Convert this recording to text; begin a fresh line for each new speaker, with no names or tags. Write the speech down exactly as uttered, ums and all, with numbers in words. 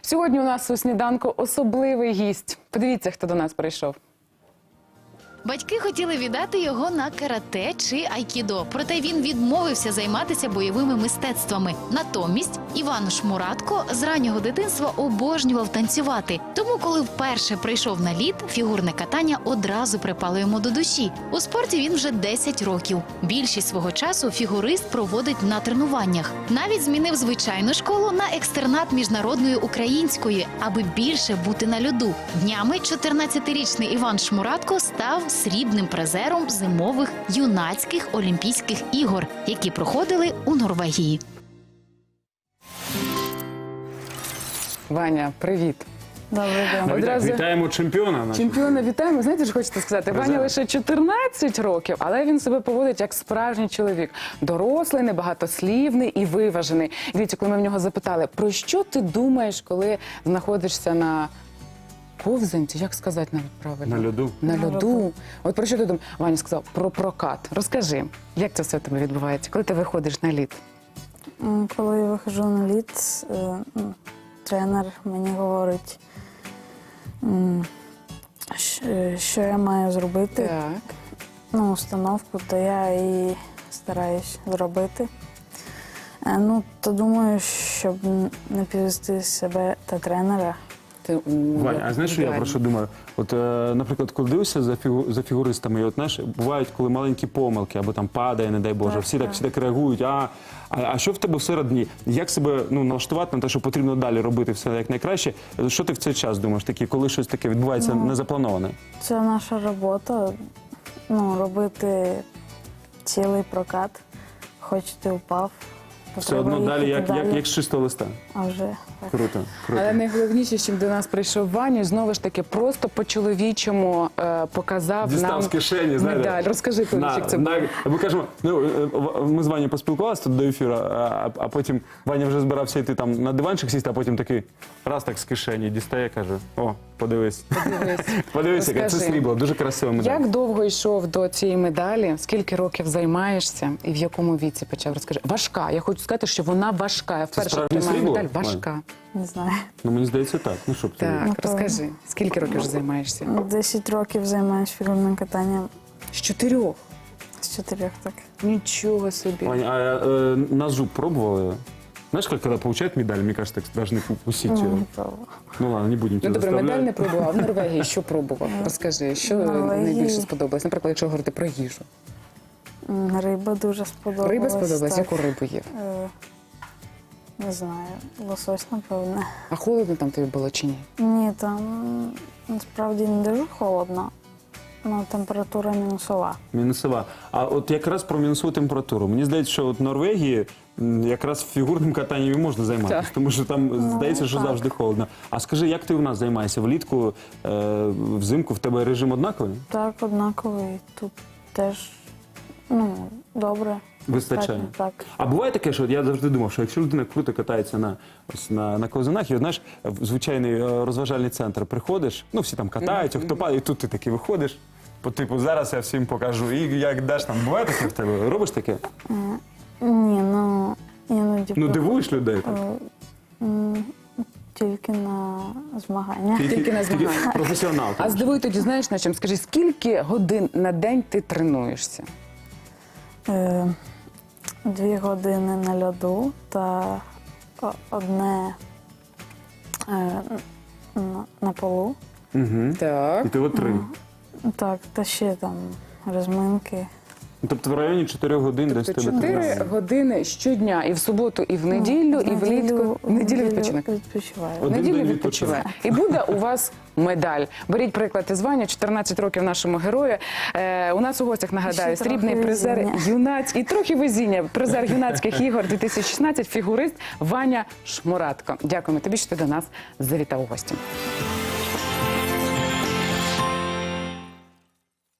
Сьогодні у нас у сніданку особливий гість. Подивіться, хто до нас прийшов.
Батьки хотіли віддати його на карате чи айкідо, проте він відмовився займатися бойовими мистецтвами. Натомість Іван Шмуратко з раннього дитинства обожнював танцювати. Тому, коли вперше прийшов на лід, фігурне катання одразу припало йому до душі. У спорті він вже десять років. Більшість свого часу фігурист проводить на тренуваннях. Навіть змінив звичайну школу на екстернат міжнародної української, аби більше бути на льоду. Днями чотирнадцятирічний Іван Шмуратко став срібним призером зимових юнацьких Олімпійських ігор, які проходили у Норвегії.
Ваня, привіт.
Добрий день.
Одразу...
Вітаємо чемпіона.
Чемпіона вітаємо. Знаєте, що хочете сказати?
Призер.
Ваня лише чотирнадцять років, але він себе поводить як справжній чоловік. Дорослий, небагатослівний і виважений. Дивіться, коли ми в нього запитали, про що ти думаєш, коли знаходишся на ковзанці, як сказати навіть правильно?
На льоду.
На
На
льоду.
льоду.
От про що ти думаєш? Ваня сказав, про прокат. Розкажи, як це все в тебе відбувається, коли ти виходиш на лід?
М, Коли я виходжу на лід, е, ну, тренер мені говорить, м, щ- що я маю зробити,
Так.
ну, установку, то я і стараюсь зробити. Е, Ну, то думаю, щоб не підвести себе та тренера.
Ти, у,
Ваня, а знаєш, що я про що думаю? От, е, наприклад, коли дивишся за, фігу, за фігуристами, і от, знаєш, бувають, коли маленькі помилки, або там падає, не дай Боже,
Так,
всі так,
так.
всі так реагують, а, а, а що в тебе всередині? Як себе ну, налаштувати на те, що потрібно далі робити все як найкраще? Що ти в цей час думаєш, такі, коли щось таке відбувається
Ну,
незаплановане?
Це наша робота, ну, робити цілий прокат, хоч ти впав, то
Все
треба
одно далі,
їхати
як, як, як з чистого листа.
А вже так.
Круто, круто.
Але найголовніше, що до нас прийшов Ваня, знову ж таки, просто по-чоловічому е, показав
Дістав
нам
з кишені, знаєте.
медаль. Розкажи, коли
На,
як це
на,
було.
ми кажемо, ну, е, в- ми з Ванею поспілкувалися тут до ефіру, а, а потім Ваня вже збирався йти там на диванчик сісти, а потім такий раз так з кишені дістає, каже, о, подивись.
Подивись.
Подивись, яке це
Розкажи.
срібло, дуже красиво медаль.
Як довго йшов до цієї медалі? Скільки років займаєшся і в якому віці почав? Розкажи. Важка. Я хочу сказати, що вона важка. Я вперше
справжнє
отримала
срібло,
медаль.
Ваня?
Важка.
Не знаю.
Ну, мені здається, так. Ну, що б ти?
Так,
Напевно.
розкажи. Скільки років вже займаєшся?
Десять років займаюся фігурним катанням,
З чотирьох.
з чотирьох так.
Нічого собі.
Ваня, а е, на зуб пробовали? Знаешь, как когда получают медаль, мне кажется, так должны укусить
Ну,
ее.
не пробувала.
Ну ладно, не будем
Ну,
тебя
добре, медаль не
заставлять.
пробував. В Норвегії що пробував? Розкажи, що
В Норвегії-
найбільше сподобалось? Наприклад, якщо говорити про їжу.
М, Риба дуже сподобалась.
Риба сподобалась?
так.
Яку рибу їв?
Е, Не знаю, лосось, напевне.
А холодно там тобі було чи ні?
Ні, там насправді не дуже холодно, але температура мінусова.
Мінусова. А от якраз про мінусову температуру. Мені здається, що от в Норвегії м, якраз фігурним катанням і можна займатися,
Так.
тому що там здається, що
так.
завжди холодно. А скажи, як ти у нас займаєшся? Влітку, е, взимку в тебе режим однаковий?
Так, однаковий. Тут теж, ну, добре.
Вистачає?
Так.
А буває таке, що от я завжди думав, що якщо людина круто катається на, ось, на, на ковзанах, і от, знаєш, в звичайний е, розважальний центр приходиш, ну всі там катаються, хто падає, і тут ти таки виходиш, по типу зараз я всім покажу, і як даш там, буває таке в тебе? Робиш таке?
Ні, ну, іноді
Ну
про-
дивуєш людей так?
е, м, тільки на змагання.
Тільки на змаганнях.
професіонал.
А здивуй тоді, знаєш на чим? Скажи, скільки годин на день ти тренуєшся?
Е, Дві години на льоду та о- одне е, на, на полу.
Угу.
Так.
І ти от три.
Так, та ще там розминки.
Ну, тобто в районі чотирьох годин десь в тебе
Чотири
тренування.
години щодня, і в суботу, і в неділю, і влітку. В неділю відпочинок.
відпочиваю.
В
Один
неділю
день
відпочиває. І буде у вас медаль. Беріть приклад із Вані, чотирнадцять років нашому герою. Е, у нас у гостях, нагадаю,
Ще трохи
срібний призер
везіння.
юнаць і трохи везіння. Призер юнацьких ігор дві тисячі шістнадцять, фігурист Ваня Шмуратко. Дякуємо тобі, що ти до нас завітав у гості.